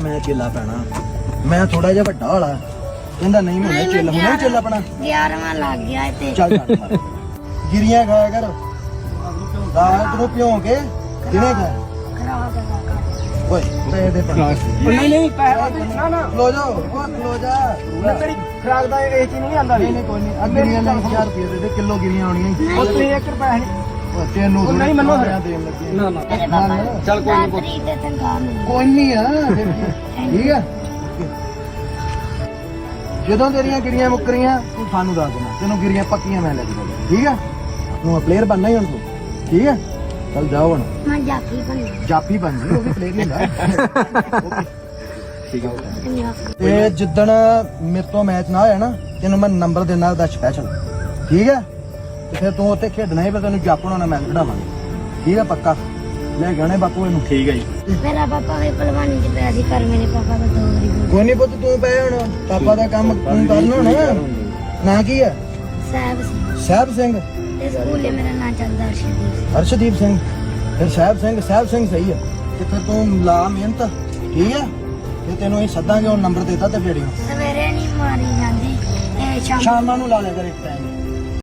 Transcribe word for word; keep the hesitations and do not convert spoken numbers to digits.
ਮੈਂ ਚੇਲਾ ਪੈਣਾ। ਮੈਂ ਥੋੜਾ ਜਿਹਾ ਵੱਡਾ ਵਾਲਾ ਕਹਿੰਦਾ ਨਹੀਂ ਮੈਂ ਚੇਲਾ ਹੁਣੇ ਚੇਲਾ ਪੈਣਾ। ਗਿਆਰਵਾਂ ਲੱਗ ਗਿਆ ਤੇ ਚੱਲ ਚੱਲ ਗਿਰੀਆਂ ਖਾਇਆ ਕਰ ਰਾਤ ਨੂੰ ਭਿਉਂ ਕੇ ਕਿਹਨੇ ਖਾ ਖਰਾਬ ਕਰ ਓਏ ਤੇ ਦੇ ਪਾ ਨਹੀਂ ਨਹੀਂ ਪੈਸੇ ਨਾ ਨਾ ਖਲੋ ਜਾ ਉਹ ਖਲੋ ਜਾ ਮੈਂ ਤੇਰੀ ਖਰਾਕ ਦਾ ਇਹ ਚੀਜ਼ ਨਹੀਂ ਆਂਦਾ ਨਹੀਂ ਨਹੀਂ ਕੋਈ ਨਹੀਂ ਅੱਗੇ ਗਿਰੀਆਂ ਲੈ ਹਜ਼ਾਰ ਰੁਪਏ ਦੇ ਦੇ ਕਿਲੋ ਗਿਰੀਆਂ ਆਉਣੀਆਂ ਉਹ ਤੇ ਇੱਕ ਰੁਪਿਆ ਨਹੀਂ ਉਹ ਤੈਨੂੰ ਉਹ ਨਹੀਂ ਮੰਨੋ ਫਿਰ। ਦੇਣ ਲੱਗੇ ਨਾ ਨਾ ਤੇਰੇ ਪਾਪਾ ਨੂੰ ਚੱਲ ਕੋਈ ਨੀ। ਤਰੀਕ ਦੇ ਤਨਖਾਹ ਮਿਲੀ ਕੋਈ ਨਹੀਂ ਆ ਫਿਰ ਕੀ। ਠੀਕ ਆ ਜਦੋਂ ਤੇਰੀਆਂ ਗਿਰੀਆਂ ਮੁੱਕਰੀਆਂ ਤੂੰ ਸਾਨੂੰ ਦੱਸ ਦੇਣਾ ਤੈਨੂੰ ਗਿਰੀਆਂ ਪੱਕੀਆਂ ਮੈਂ ਲੈ ਕੇ ਦੇਵਾਂ ਠੀਕ ਆ ਤੂੰ ਪਲੇਅਰ ਬਣਨਾ ਹੀ ਹੁਣ ਤੂੰ ਠੀਕ ਆ ਚੱਲ ਜਾਓ ਹੁਣ ਮੈਂ ਜਾਫੀ ਬਣੀ ਜਾਪੀ ਬਣ ਜੀ ਉਹ ਵੀ ਪਲੇਅਰ ਹੀ ਹੁੰਦਾ ਠੀਕ ਆ ਜਾਫੀ ਤੇ ਜਿੱਦਣ ਮੇਰੇ ਤੋਂ ਮੈਚ ਨਾ ਹੋਇਆ ਨਾ ਤੈਨੂੰ ਮੈਂ ਨੰਬਰ ਦੇਣਾ ਉਹਦਾ ਸਪੈਸ਼ਲ ਠੀਕ ਹੈ ਤੇ ਫਿਰ ਤੂੰ ਉੱਥੇ ਖੇਡਣਾ ਹੀ ਫਿਰ ਤੈਨੂੰ ਜਾਪਣਾ ਨਾ ਮੈਚ ਖਿਡਾਵਾਂਗੇ ਠੀਕ ਹੈ ਪੱਕਾ ਲੈ ਕੇ ਆਉਣੇ ਬਾਪੂ ਇਹਨੂੰ ਠੀਕ ਹੈ ਜੀ ਮੇਰਾ ਪਾਪਾ ਵੀ ਪਹਿਲਵਾਨੀ ਚ ਪਿਆ ਸੀ ਪਰ ਮੇਰੇ ਪਾਪਾ ਦਾ ਦੋ ਵਾਰੀ ਹੋ ਕੋਈ ਨਹੀਂ ਪੁੱਤ ਤੂੰ ਪੈ ਹੁਣ ਪਾਪਾ ਦਾ ਕੰਮ ਤੂੰ ਕਰਨਾ ਹੁਣ ਨਾਂ ਕੀ ਹੈ ਸਾਹਿਬ ਸੀ ਸਾਹਿਬ ਸਿੰਘ ਤੇ ਸਕੂਲੇ ਮੇਰਾ ਨਾਂ ਚੱਲਦਾ ਅਰਸ਼ਦੀਪ ਅਰਸ਼ਦੀਪ ਸਿੰਘ ਫਿਰ ਸਾਹਿਬ ਸਿੰਘ ਸਾਹਿਬ ਸਿੰਘ ਸਹੀ ਹੈ ਤੇ ਫਿਰ ਤੂੰ ਲਾ ਮਿਹਨਤ ਠੀਕ ਹੈ ਤੇ ਤੈਨੂੰ ਇਹ ਸੱਦਾਂਗੇ ਉਹ ਨੰਬਰ ਦੇਤਾ ਤੇ ਫੇੜੀ ਸਵੇਰੇ ਨਹੀਂ ਮਾਰੀ ਜਾਂਦੀ ਤੇ ਸ਼ਾਮ ਸ਼ਾਮਾਂ ਨੂੰ ਲਾ ਲਿਆ ਕਰ ਇੱਕ ਟਾਈਮ